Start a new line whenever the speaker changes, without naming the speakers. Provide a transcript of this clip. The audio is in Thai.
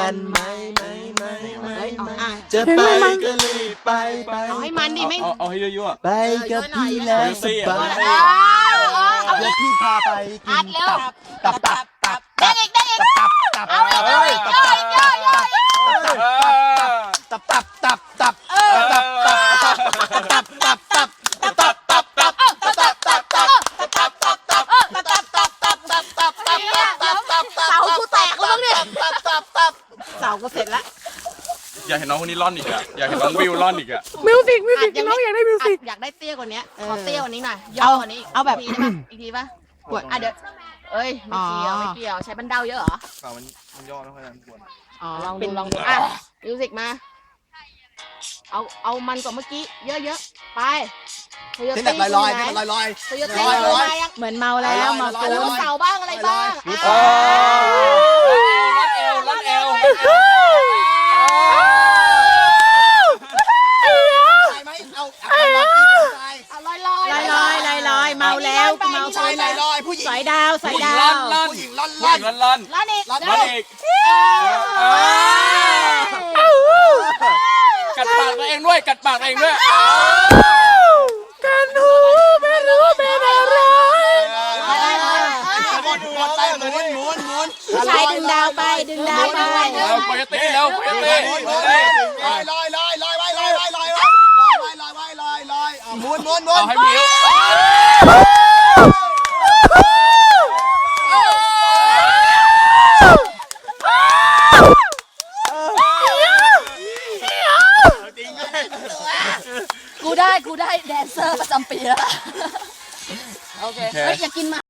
กันไหมจะไปก็รีบไป
เอาให้มันดิไม่
เอาให้ยั่ว
ไปกับพี่แล้วสบายเดี๋ยวพี่พาไปกินตับ
ได้อีกเอาอีกเสากูแตกแล้วมั้งเนี่ยเสาก็เสร็จแล้ว
อยากเห็นน้องคนนี้ร่อนอีกอะอยากเห็นน้องวิวร่อนอีกอะ
มิวสิกน้องอยากได้มิวสิก
อยากได้เตี้ยกว่านี้ขอเตี้ยกว่านี้หน่อยย่อกว่านี้เอาแบบอีกทีป่ะปวดเดี๋ยวเอ้ยไม่เกี่ยวใช้บันเดาเยอะเหรอ
มันย่อไม่ค่อยนั้นปวด
ลองดูมิวสิกมาเอามันกว่าเมื่อกี้เยอะๆไป
ที่แบบลอย
เหมือนเมาแล้วมาตูนเสาบ้างอะไรบ้าง
ลั่นเอว
ลอยเมาแล้วเมา
ผู้หญิง
สายดาวผู้
หญิงลั่นอีกกัดปากตัวเองด้วย
กันหูไม่รู้เป็นอะไร
ชายดึงดาวไป
โคโยตี้แล้วโคโยตี้
ม้วน
ให้มิว
กูได้แดนเซอร์ประจำปีแล้วโอเคอย่ากินมา